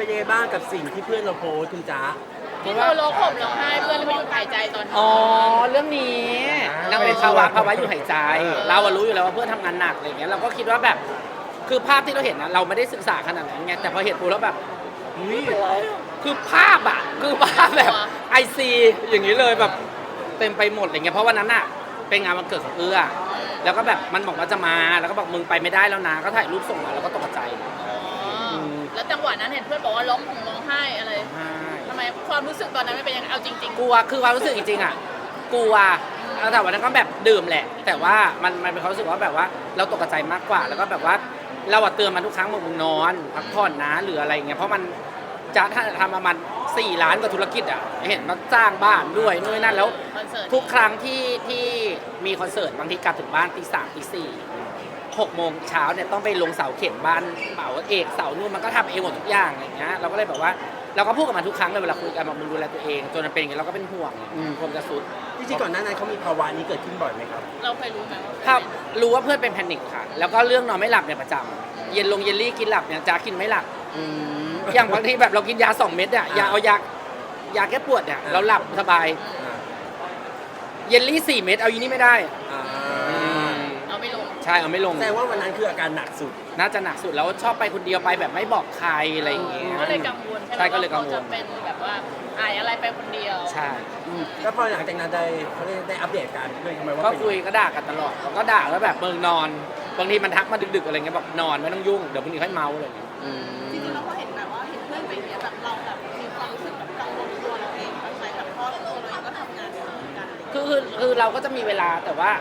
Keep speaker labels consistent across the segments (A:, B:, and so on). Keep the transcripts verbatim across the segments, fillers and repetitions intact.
A: เป็นยังไงบ้างกับสิ่งที่เพื่อนเราโพสต์คุณจ๊ะ
B: ที่เธอร้องห่มร้องไห้เพื่อนไม่หยุดหายใจตอนนี้
C: อ๋อเรื่องนี้นางเป็นภาวะภาวะอยู่หายใจ เราอะรู้อยู่แล้วว่าเพื่อนทำงานหนักอะไรเงี้ยเราก็คิดว่าแบบคือภาพที่เราเห็นนะเราไม่ได้ศึกษาขนาดนั้นไงแต่พอเห็นปุ๊บแล้วแบบคือภาพอะคือภาพแบบไอซีอย่างนี้เลยแบบเต็มไปหมดอะไรเงี้ยเพราะวันนั้นอะเป็นงานวันเกิดของเอื้อแล้วก็แบบมันบอกว่าจะมาแล้วก็บอกมึงไปไม่ได้แล้วนะก็ถ่ายรูปส่งมาแล้วก็ตกใจ
B: แล้วจังหวะนั้นเห็นเพื่อนบอกว่าร้องห่มร้องไห้อะไรทำไมความรู้สึกตอนนั้นไม่เป็นยังไงเอาจริงๆ
C: กลัวคือความรู้สึกจริงๆอ่ะกลัวแต่วันนั้นก็แบบดื่มแหละแต่ว่ามันมันเป็นความรู้สึกว่าแบบว่าเราตกใจมากกว่าแล้วก็แบบว่าเราเตือนมันทุกครั้งมึงนอนพักผ่อนนะหรืออะไรเงี้ยเพราะมันจะทำประมาณสี่ล้านกว่าธุรกิจอ่ะเห็นมันจ้างบ้านด้วยนู่นนั่นแล้วทุกครั้งที่ที่มีคอนเสิร์ตบางทีกลับถึงบ้านตีสามตีสี่หกโมงเช้าเนี่ยต้องไปลงเสาเข็มบ้านเป่าเอกเสานู่นมันก็ทำเองหมดทุกอย่างอะไรเงี้ยเราก็เลยแบบว่าเราก็พูดกับมันทุกครั้งเลยเวลาคุยกันบอกมึงดูแลตัวเองจนมันเป็นอย่างเงี้ยเราก็เป็นห่วงความจะสุด
A: จริงๆก่อนหน้านั้นเขามีภาวะนี้เกิดขึ้นบ่อยไหมครับ
B: เราเคยรู้ไหม
C: ครับรู้ว่าเพื่อนเป็นแพนิคค่ะแล้วก็เรื่องนอนไม่หลับเนี่ยประจำเย็นลงเยลลี่กินหลับเนี่ยจ้ากินไม่หลับอย่างบางทีแบบเรากินยาสองเม็ดเนี่ยยาเอายายาแก้ปวดเนี่ยเราหลับสบายเยลลี่สี่เม็ดเอาอยู่นี่ไม่ได้
B: เอาไม่ลง
C: ใช่เอาไม่ลง
A: แต่ว่าวันนั้นคืออาการหนักสุด
C: น่าจะหนักสุดแล้วชอบไปคนเดียวไปแบบไม่บอกใครอะไรอย่างเงี้ย
B: ก็เลยกังวล
C: ใช่ก็เลยกังวล
B: จะเป็นแบบว่าอายอะไรไปคนเดียว
C: ใช่
A: แล้วพอหลังจากนั้นได้เขาได้ได้อัปเดตการเพื่อนทำไมว่า
C: ก็คุยก็ด่ากันตลอดก็ด่าแล้วแบบเมืองนอนบางทีมันทักมาดึกๆอะไรเงี้ยบอกนอนไม่ต้องยุ่งเดี๋ยวพรุ่งนี้ค่อยเมาอะไรอย่างเงี้ย
B: จริงๆเราก็เห็นแบบว่าเห็นเพื่อนไปเนี้ยแบบเราแบบมีความรู้สึกแบบกังวลตัวเราเองบ้างไหมแบบเพราะตัวเราเองก็ทำงานเหมือนกัน
C: คือคือคือเราก็จะมีเวลาแต่ว่า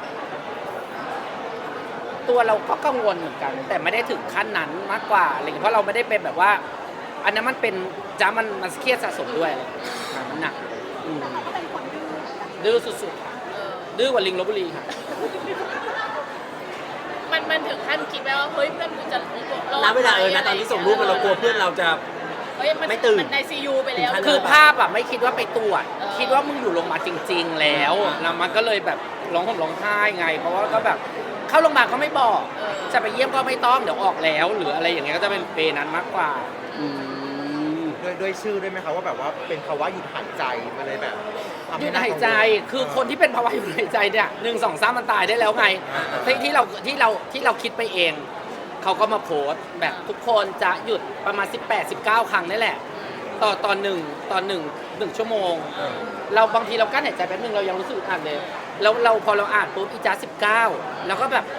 C: ตัวเราก็กังวลเหมือนกันแต่ไม่ได้ถึงขั้นนั้นมากกว่าอะไรเพราะเราไม่ได้เป็นแบบว่าอันนั้นมันเป็นจ้ามันมันเครียดสะสมด้วยอะไรมันหนักดื้อสุดๆค่ะดื้อกว่าลิงลพบุรีค่ะ
B: มันมันถึงขั้นคิดไหมว่าเฮ้ยเพื่อนกูจะ
A: ณเวลาเออนะตอนที่ส่งรูปมาเรากลัวเพื่อนเราจะไม่ตื่น
B: ในซียูไปแล้ว
C: คือภาพอะไม่คิดว่าไปตรวจคิดว่ามึงอยู่โรงพยาบาลจริงๆแล้วแล้วมันก็เลยแบบร้องห่มร้องไห้ไงเพราะว่าก็แบบเข้าโรงพยาบาลก็ไม่บอกจะไปเยี่ยมก็ไม่ต้องเดี๋ยวออกแล้วหรืออะไรอย่างเงี้ยก็จะเป็นเปนั้นมากกว่า
D: ด้วยด้วยชื่อด้วยไหมคะว่าแบบว่าเป็นภาวะหยุดหายใจมาเลยแบบ
C: หยุดหายใจคือคนที่เป็นภาวะหยุดหายใจเนี่ยหนึ่งสองสามมันตายได้แล้วไงที่ที่เราที่เราที่เราคิดไปเองเขาก็มาโพสต์แบบทุกคนจะหยุดประมาณสิบแปด สิบเก้าครั้งนี่แหละต่อตอนหนึ่งตอนหนึ่งหนึ่งชั่วโมงเราบางทีเรากั้นหายใจแป๊บนึงเรายังรู้สึกอัดเลยแล้วเราพอเราอ่านปุ๊บอีจ้าสิบเก้าแล้วก็แบบ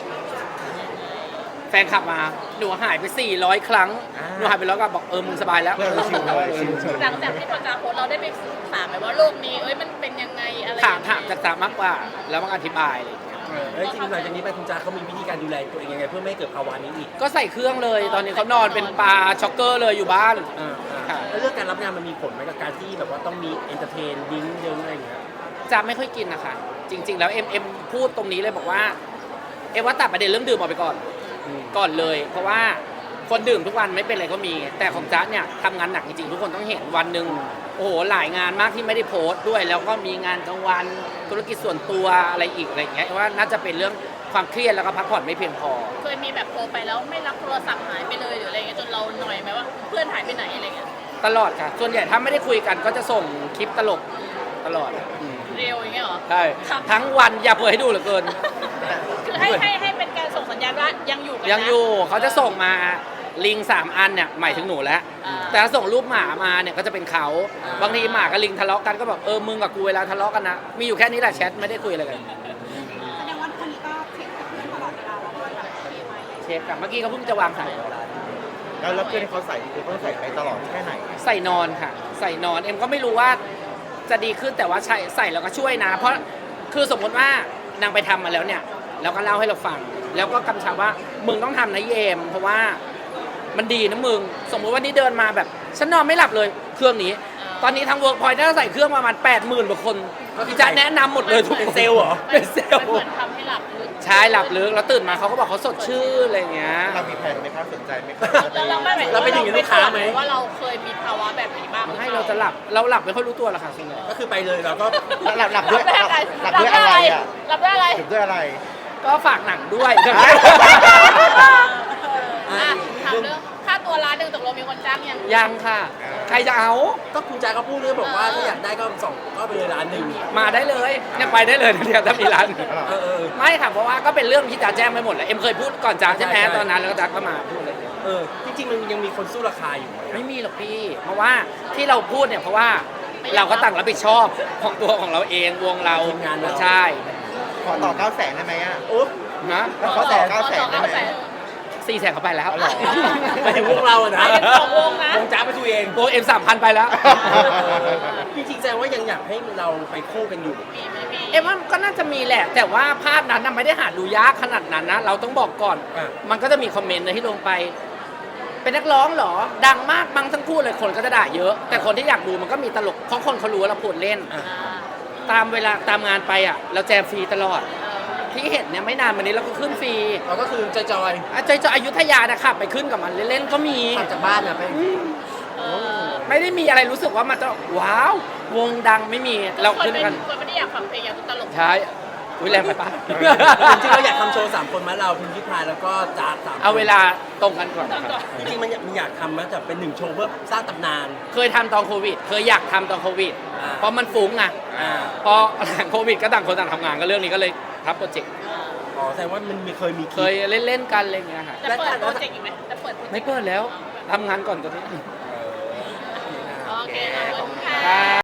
C: แฟนขับมาหนูหายไปสี่ร้อยครั้งหนูหายไปแล้วก็บอกเออมึงสบายแล้ว
B: หลังจากที่พอจ้าโพสเราได้ไปถามไหมว่าโรคนี้เอ้ยมันเป็นยังไงอะไร
C: ถามถามจากจ้ามากกว่าแล้วมันอธิบาย
A: อะไรอย่างเงี้ยแล้วจริงๆหลังจากนี้ไปคุณจ้าเขามีวิธีการดูแลตัวเองยังไงเพื่อไม่ให้เกิดภาวะนี้อีก
C: ก็ใส่เครื่องเลยตอนนี้เขานอนเป็นปลาช็อกเกอร์เลยอยู่บ้าน
A: แล้วเรื่องการรับงานมันมีผลไหมกับการที่แบบว่าต้องมีเอนเตอร์เทนดิ้งเยอะอะไรอย่างเงี้ย
C: จ้าไม่ค่อยกินนะคะจริงๆแล้วเอ็มเอ็มพูดตรงนี้เลยบอกว่าเอ็มว่าตัดประเด็นเรื่องดื่มออกไปก่อนก่อนเลยเพราะว่าคนดื่มทุกวันไม่เป็นไรก็มีแต่ของจ๊ะเนี่ยทำงานหนักจริงๆทุกคนต้องเห็นวันหนึ่งโอ้โหหลายงานมากที่ไม่ได้โพสต์ด้วยแล้วก็มีงานกลางวันธุรกิจส่วนตัวอะไรอีกอะไรอย่างเงี้ยว่าน่าจะเป็นเรื่องความเครียดแล้วก็พักผ่อนไม่เพียงพอ
B: เคยมีแบบโทรไปแล้วไม่รับโทรศัพท์หายไปเลยหรืออะไรเงี้ยจนเราหน่อยไหมว่าเพื่อนหายไปไหนอะไรเงี้ย
C: ตลอดค่ะส่วนใหญ่ถ้าไม่ได้คุยกันก็จะส่งคลิปตลกตลอด
B: เร็วอย่างเงี้ยหรอ
C: ใช่ทั้งวันอย่าเผยให้ดูเหลือเกิน
B: คือให้ให้ให้เป็นการส่งสัญญาณว่ายังอยู่กันนะ
C: ยังอยู่เขาจะส่งมาลิงสามอันเนี่ยหมายถึงหนูแล้วแต่ถ้าส่งรูปหมามาเนี่ยก็จะเป็นเขาบางทีหมากับลิงทะเลาะกันก็แบบเออมึงกับกูเวลาทะเลาะกันนะมีอยู่แค่นี้แหละแชทไม่ได้คุยอะไรกัน
B: แสดงว่าคนนี้ก็เช็คกับเพื่อนตลอดเวลาว่าเพื่อนแบบโอเคไหม
C: เช็คกับเมื่อกี้เขาเพิ่งจะวางสาย
D: แล้วแล้วเพื่อนเขาใส่คือเขาใส่ไปตลอดแค่ไหน
C: ใส่นอนค่ะใส่นอนเอ็มก็ไม่รู้ว่าจะดีขึ้นแต่ว่าใส่ใส่แล้วก็ช่วยนะเพราะคือสมมติว่านางไปทำมาแล้วเนี่ยแล้วก็เล่าให้เราฟังแล้วก็กำชับว่ามึงต้องทำนะเยมเพราะว่ามันดีนะมึงสมมติว่านี่เดินมาแบบฉันนอนไม่หลับเลยเครื่องนี้ตอนนี้ทางเวิร์กพอยต์ได้ใส่เครื่องประมาณแปดหมื่นกว่าคนที่จะแนะนำหมดเลยทุก
A: เป็นเซลล์เหรอ
C: เป็นเซลล์
B: เหมือนทำให้หลับลึก
C: ใช่หลับลึกแล้วตื่นมาเขาก็บอกเขาสดชื่นอะไรเงี้ย
D: เรามีแผนไหมครับสนใจไหมครับ
B: เราไม่
A: เราเป็นอย่างนี้ลูกค้าไหม
B: ว่าเราเคยมีภาวะแบบนี้บ้าง
C: ให้เราจะหลับเราหลับไม่ค่อยรู้ตัวหรอกค่ะส่วนใหญ่
A: ก็คือไปเลยเราก็
D: หลับหลับด้วยหลับด้วยอะไรอ่ะ
B: หลับด้วยอะไร
D: หลับด้วยอะไร
C: ก็ฝากหนังด้วย
B: ถามเรื่องค่าตัวตัวร้านหนึ่งตกลงมีคนจ้างยัง
C: ยังค่ะ ใครจะเอา
A: ก็คุณแจ๊คเขาพูดเลยบอกว่าถ้าอยากได้ก็สองก็ไปเลยร้านหนึ่ง
C: มาได้เลยเนี่ยไปได้เลยนะเนี่ยถ้ามีร้าน
A: เออเออ
C: ไม่ค่ะเพราะว่าก็เป็นเรื่องที่จ๋าแจ้งไปหมดแล้วเอ็มเคยพูดก่อนจ๋าใช่ไหม
A: ใช่ใช่
C: ตอนนั้นแล้วก็จ๋าก็มาพูดเลย
A: เออจริงๆมันยังมีคนสู้ราคาอยู่ไหม
C: ไม่มีหรอกพี่ เพราะว่าที่เราพูดเนี่ยเพราะว่าเราก็ต่างรับผิดชอบของตัวของเราเองวงเรา
A: ทีมงานเรา
C: ใช่
D: ขอต่อเก้าแสนได้ไหมอ่ะ
A: โอ๊บ
C: นะ
D: ขอต่อเก้าแสนได้ไหม
C: สี่แสนเขาไปแล้ว
D: เอาเหรอ
A: ไปถึงวงเราอะนะ
B: ไปกันสองวงนะ
A: วงจ้าไปตัวเอง
C: ตัวเอ็มสามพันไปแล้ว
A: จริงๆแสดงว่ายังอยากให้เราไปคู่กันอยู่
B: มีไม่มี
C: เอ็มว่าก็น่าจะมีแหละ แต่ว่าภาพนั้นน่ะไม่ได้หาดูยากขนาดนั้นนะ เราต้องบอกก่อน
A: อ่ะ
C: มันก็จะมีคอมเมนต์นะที่ลงไป เป็นนักร้องเหรอ ดังมากมั้งทั้งคู่เลยคนก็จะด่าเยอะ แต่คนที่อยากดูมันก็มีตลกเพราะคนเขารู้ว่าเราพูดเล่น
A: อ่ะ
B: อ่า
C: ตามเวลาตามงานไปอ่ะ เราแจมฟรีตลอด ที่เห็นเนี่ยไม่นานมานี้เราก็ขึ้นฟรี
A: เราก็คือจอย
C: อาจจะอยุธยานะขับไปขึ้นกับมันเล่นๆก็มี
A: ๆขับจากบ้านอะไป
B: เออ
C: ไม่ได้มีอะไรรู้สึกว่ามันจะว้าว วงดังไม่มีเรา
B: คน
C: ขึ้น
B: เป็น
C: กัน
B: คนไม่ได้อยากฟังเพลงอยากดูตลก
C: ใช่อุ้ยแรงไปปะ
A: จริงๆเราอยากทำโชว์สามคนมาเราพิมพ์พิพายแล้วก็จ้าสามคน
C: เอาเวลาตรงกันก่อนครับ
A: จริงๆมันอยากมันอยากทำมันจะเป็นหนึ่งโชว์เพื่อสร้างตำนาน
C: เคยทำตอนโควิด เคยอยากทำตอนโควิด
A: อ่า
C: เพราะมันฟุ้งอ่ะ
A: อ่า
C: พอหลังโควิดก็ต่างคนต่างทำงานก็เรื่องนี้ก็เลยทับโปรเจกต์
A: อ๋อแสดงว่ามันมีเคยมี
C: เคยเล่นๆกันอะไรอย่างเงี้ยค่ะ
B: จะเปิดโปรเจกต์อีกไหมจะเปิดโปรเจกต์
C: ไม่เปิดแล้วทำงานก่อนตอนนี้
A: เออ
B: โอเคขอบคุณค่ะ